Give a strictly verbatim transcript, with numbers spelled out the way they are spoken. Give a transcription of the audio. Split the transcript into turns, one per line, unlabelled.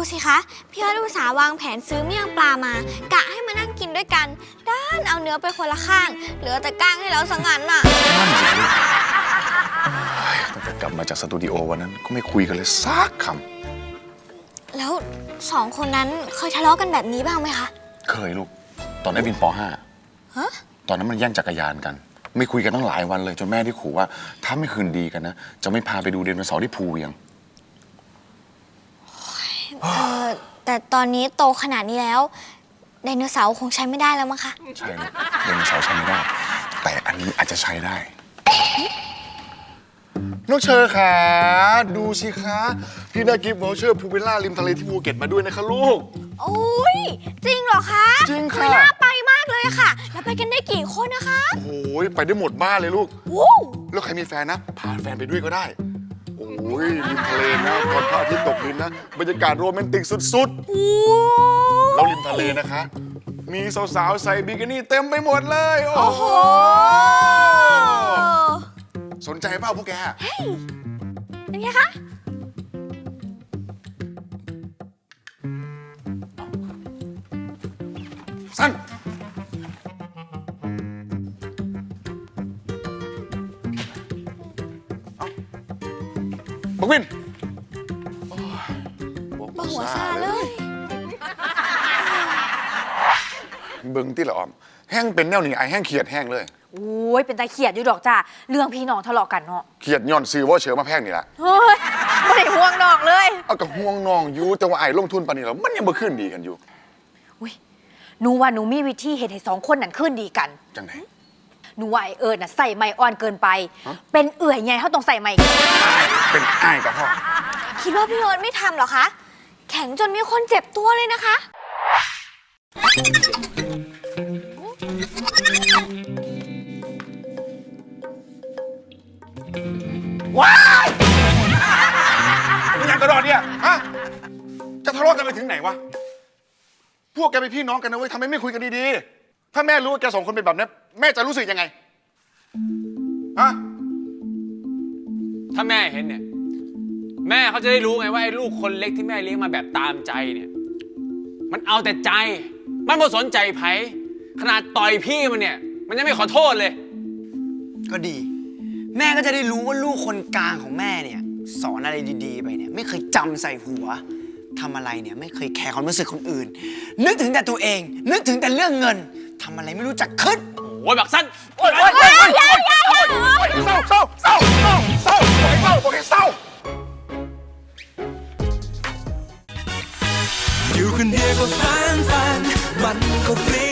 สิคะพี่ยอดอุตสาห์วางแผนซื้อเมี่ยงปลามากะให้มานั่งกินด้วยกันด้านเอาเนื้อไปคนละข้างเหลือแต่ก้างให้เราสังหันน่ะ
นั่นสิลูกตั้งแต่กลับมาจากสตูดิโอวันนั้นก็ไม่คุยกันเลยสักค
ำแล้วสองคนนั้นเคยทะเลาะกันแบบนี้บ้างไหมคะ
เคยลูกตอนไอ้วินป .ห้า
ฮะ
ตอนนั้นมันแย่งจักรยานกันไม่คุยกันตั้งหลายวันเลยจนแม่ที่ขู่ว่าถ้าไม่คืนดีกันนะจะไม่พาไปดูไดโนเสาร์ที่ภูเวียง
เออแต่ตอนนี้โตขนาดนี้แล้วไดโนเสาร์คงใช้ไม่ได้แล้วมั้งคะ
ใช่ลูกไดโนเสาร์ใช้ไม่ได้แต่อันนี้อาจจะใช้ได้น้องเชอร์ค่ะดูสิคะพี่ได้กิฟต์วอเชอร์พูวิลล่าริมทะเลที่ภูเก็ตมาด้วยนะคะลูก
โอ้ยจริงเหรอคะ
จริงค่ะ
น่าไปมากเลยค่ะแล้วไปกันได้กี่คนนะคะ
โอ้ยไปได้หมดบ้านเลยลูกแล้วใครมีแฟนนะพาแฟนไปด้วยก็ได้โอ้ยริมทะเลนะตอนพระอาทิตย์ตกดินนะบรรยากาศโรแมนติกสุดๆแล้วริมทะเลนะคะมีสาวๆใส่บิกินี่เต็มไปหมดเลยโอ้โหสนใจเปล่าพวกแก
เป็นไงคะ
สั้นบักวิน
บักหัวซาเลย
เบิ่งที่ละออมแห้งเป็นแนวนี้ไอแห้งเขียดแห้งเลย
โอ้ยเป็นตาเขียดอยู่ดอกจ้าเรื่องพี่น้องทะเลาะกันเนาะ
เขียดย่อนซื้อว่าเชือมาแพงนี่แหละ
เฮ้ยไม่ได้ห่วงน้องเลย
เอากับห่วงน้องอยู่แต่ว่าไอ้ลงทุนปานนี้แล้วมันยังบ่ขึ้นดีกันอยู่
อุ้ยหนูว่าหนูมีวิธีเห็นให้สองคนนั้นขึ้นดีกัน
จังไหน
หนูว่าไอเอิญน่ะใส่ไม้อ่อนเกินไปเป็นเอื่อยไงเขาต้องใส่ไม้
เป็นอ้ายกับพ่อ
คิดว่าพี่เอิญไม่ทำหรอคะแข็งจนมีคนเจ็บตัวเลยนะคะ
ว้ายมึงยังกระโดดเนี่ยฮะจะทะเลาะกันไปถึงไหนวะพวกแกเป็นพี่น้องกันนะเว้ยทำไมไม่คุยกันดีๆถ้าแม่รู้ว่าแกสองคนเป็นแบบนี้แม่จะรู้สึกยังไงฮะ
ถ้าแม่เห็นเนี่ยแม่เขาจะได้รู้ไงว่าไอ้ลูกคนเล็กที่แม่เลี้ยงมาแบบตามใจเนี่ยมันเอาแต่ใจมันไม่สนใจไผ่ขนาดต่อยพี่มันเนี่ยมันยังไม่ขอโทษเลย
ก็ดีแม่ก็จะได้รู้ว่าลูกคนกลางของแม่เนี่ยสอนอะไรดีๆไปเนี่ยไม่เคยจำใส่หัวทำอะไรเนี่ยไม่เคยแคร์ความรู้สึกคนอื่นนึกถึงแต่ตัวเองนึกถึงแต่เรื่องเงินทำอะไรไม่รู้จักคิด
โอ้ยบักสั้น
โอ้ยโอ้ยโอ้ยโอ้ยเศร้าเศร้าเศร้าเศร้าเศร้าโอ้ยเศร้าโอ้ยเศร้า
อยู่คนเดียวก็ฟันฟันมันก็ฟรี